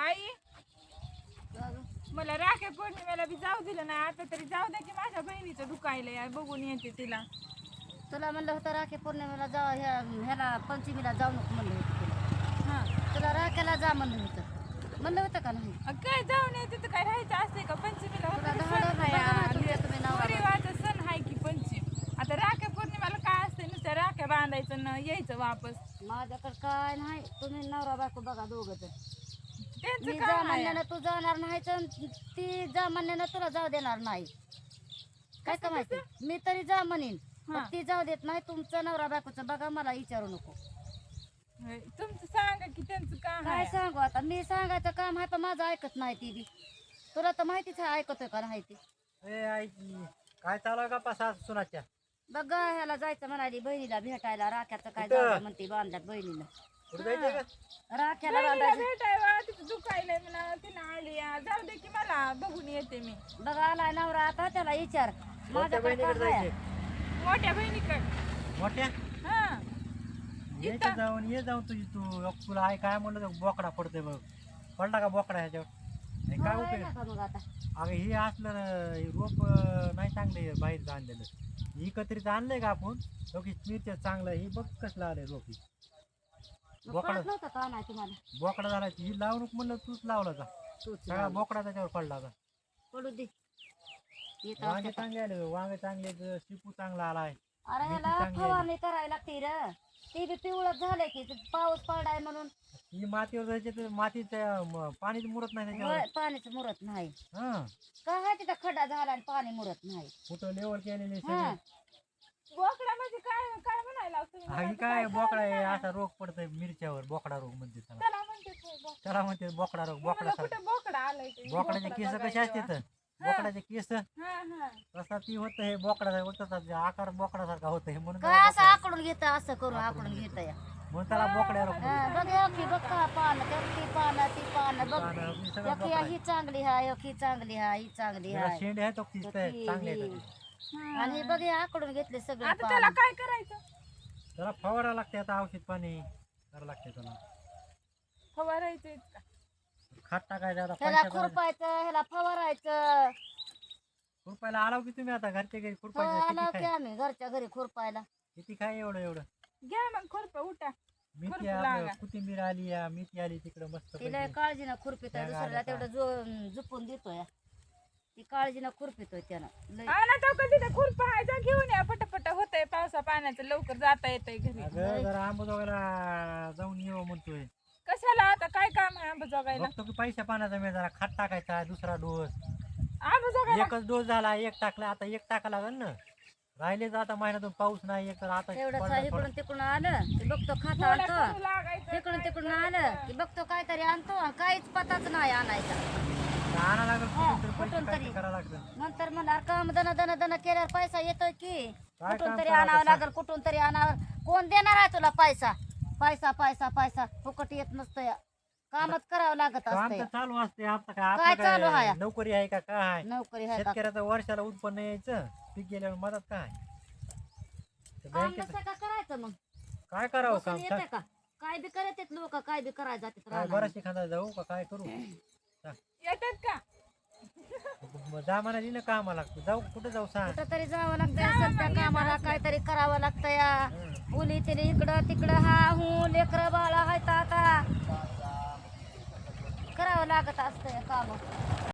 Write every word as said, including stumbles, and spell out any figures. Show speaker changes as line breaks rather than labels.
आई मला राखे पौर्णिमेला बी जाऊ दिलं नाही. आता तरी जाऊ द्या की माझ्या बहिणीचं दुखायलंय, बघून येते तिला.
तुला म्हणलं होतं राखी पौर्णिमेला जा, ह्या ह्याला पंचमीला जाऊ नको म्हणलं होतं तुला.
हा
तुला राख्याला जा म्हणलं होतं. म्हणलं होतं का नाही?
अ, काय जाऊन येते तर काय राहायचं असते का पंचमीला?
तुला
वगैरे
धाडस
सण
बघा ना
आहे,
तुझ्या तुम्ही नवरा बायको.
परिवाराचा सण आहे की पंचम. आता राख्या पौर्णिमेला काय असते, नुसत्या राख्या बांधायचं न यायचं वापस.
माझ्याकडे काय नाही, तुम्ही नवरा बायको बघा दोघं जण.
त्यांचं
मी जा
काय आहे?
म्हणल्यानं तू जाणार नाही तर ती जा म्हणल्यानं तुला जाऊ देणार नाही. काय का माहिती, मी तरी जा म्हणेन पण
हा.
ती जाऊ देत नाही. तुमचं नवरा बायकोचं बघा, मला विचारू नको.
होय, तुमचं सांगा की त्यांचं काय
काय
आहे.
सांगू आता, मी सांगायचं काम आहे पण माझं ऐकत नाही ती बी. तुला तर माहितीच आहे ऐकतोय का नाही ती.
ए आई काय चालू आहे का पासा सुनाच्या?
बघा ह्याला जायचं म्हणाली बहिणीला भेटायला. राख्याचं काय
कुठं?
जाऊ दे म्हणते बांधल्यात बहिणीला.
कुठे जायचंय का?
राख्याला
बहिणीला
बांधायचं.
भेटायला तिचं दुखायलंय म्हणा, तिनं आली या. जाऊ दे की मला बघून येते मी.
बघा आलाय नवरा आता, त्याला विचार.
मोठ्या
माझ्याकडे
बहिणीकडे
काय आहे?
जायचंय.
मोठ्या बहिणीकडे.
मोठ्या
हा
ये
इथं.
जाऊन ये जाऊन तुझी तू अग तुला आई काय म्हणलं तर बोकडा पडतोय बघ. पडला का बोकडा ह्याच्यावर? हे काय
हो, आहे
उपयोग?
ना का मग आता?
अगं हे असलं ना, हे रोप अं, नाही चांगले बाहेरचं आणलेलं. एकत्रित आणलंय का आपण? लोकी मिरच्या चांगलं हे बघ कसलं आलंय रोप. हे.
मग
बोकडा
कळत नव्हतं का नाही तुम्हाला?
बोकडा झाला ही लावू नको म्हणलं, तूच लावला का?
तूच
सगळा
लावलं.
बोकडा त्याच्यावर पडला का?
पडू दे. येत
वांगे
असते.
चांगले आले, वांगे चांगले आहेत, शिपू चांगला आलाय.
अरे
मेथी
ह्याला
चांगली आहे.
फवारणी करायला लागते र. ती बी पिवळत झालंय की ते पाऊस पडाय म्हणून.
ही मातीवर जायचे तर मातीचं म, पाणीच मुरत नाही त्याच्यावर.
वय- पाणीच मुरत नाही.
हा
काय तिथं खड्डा झाला आणि पाणी मुरत नाही.
कुठं लेवल केलेले
हा.
सगळे.
बोकडा म्हणजे काय काय म्हणायला लागतं तुम्ही?
हा, ही
मला तर
काय
काय
बोकडा आहे,
कळलं नाही.
असा रोग पडतोय मिरच्यावर, बोकडा रोग म्हणते त्याला.
त्याला म्हणते ते बोकडा.
त्याला म्हणते बोकडा रोग.
मला
बोकडा सारखा.
कुठं बोकडा आलाय ते.
बोकडाचे
बोकडा
केस कसे
बघायला.
असते तर बोकडाचे केस
हा हा
तसा ती होत हे बोकडा होत आकार बोकडासारखा होत हे म्हणून
काय
त्याला
असं
बोकडा-
आकडून घेत असं करून आकडून घेत या.
म्हणून त्याला बोकड्या रोग
हा,
म्हणते.
बघ ह्यो की बघ का पानं, त्या ती पानं, ती पानं बघ.
पानं, ही सगळं
एक
बोकडा आहे.
ही चांगली हाय, एक ही चांगली हाय, ही चांगली
जरा
हाय.
शेंडे आहेत तो ती
ती-
चांगले आहेत
ही.
त्याचे.
आणि हे बघ हे आकडून घेतले सगळे
आता त्याला
पानं.
काय करायचं?
त्याला फवारा लागते आता, औषध पाणी करावं लागते त्याला.
फवारायचं का?
खात टाकायचं आता
ह्याला
पैसे
खुरपायचं, ह्याला फवारायचं.
खुरपायला आलाव की तुम्ही आता घरच्या घरी
हो,
खुरपायचं
आलो
किती
की
काय
आम्ही घरच्या घरी खुरपायला.
किती काय एवढं एवढं
घ्या मग खुरपा, उठा.
मेथी
खुरपू
आपलं
लागा.
कोथिंबीर आली या मेथी आली तिकडं मस्त
तिला
पैकी.
काळजीनं खुरपितोय,
त्या
दुसऱ्याला
गाड्या
तेवढं जो झुपून देतोय. ती काळजीनं खुरपितोय त्यानं लय.
हा ना, तो कधी तर खुरपा आहे, जा घेऊन या. पटापट होतंय पावसा पाण्याचं, लवकर जाता येतंय घरी.
अगं जरा आंबोजोगाईला जाऊन येऊ म्हणतोय.
कशाला आता काय काम आहे आंबा जोगायला?
बघतो की पैशा पाण्याचा मी जरा खात टाकायचा दुसरा डोस.
आंबा जोगायला
एकच डोस झाला, एक टाकला, आता एक टाका लागेल ना. राहिलेच आता महिन्यातून पाऊस नाही एक तर आता
तेवढंच
पडला थोडा.
इकडून तिकडून आलं की बघतो खाता
थोडं
आणतो.
करू लागायचं.
तिकडून तिकडून आलं की बघतो काहीतरी आणतो आणि काहीच पताच नाही आणायचा.
आणा लागेल
हा,
कुठून तरी पैसे
कुठून
काय
तरी.
करावं लागतं.
नंतर म्हणणार काम दन दन दन केल्यावर पैसा येतोय की
काय
कुठून
काम
तरी
करावं
आणावं
कसं?
लागेल, कुठून तरी आणावं. कोण देणार आहे तुला पैसा? पैसा पैसा पैसा फुकट येत नसतं या. कामच करावं लागत
काम
असतं
तर चालू असते आता काय
काय
आपलं
चालू आहे?
काय नोकरी आहे का काय?
नोकरी आहे का?
शेतकऱ्याचं वर्षाला उत्पन्न यायचं, पीक गेल्यावर मदत काय तर
काम
बँकेत
नसतं का करायचं मग?
काय करावं
बसून
काम
येते का? काय बी करत लोक, काय बी करायला जातात
काय
रानात.
बराचशी खांदा जाऊ का काय करू?
येतात का?
मग जा म्हणा ना कामाला जाऊ कुठं जाऊ सांग.
कुठं तरी जावं लागतं असेल त्या कामाला, काहीतरी करावं लागतं या.
हं.
मुली तिने इकडं तिकडं हा हू लेकरं बाळा आहेत आता करावं लागत असतं काम.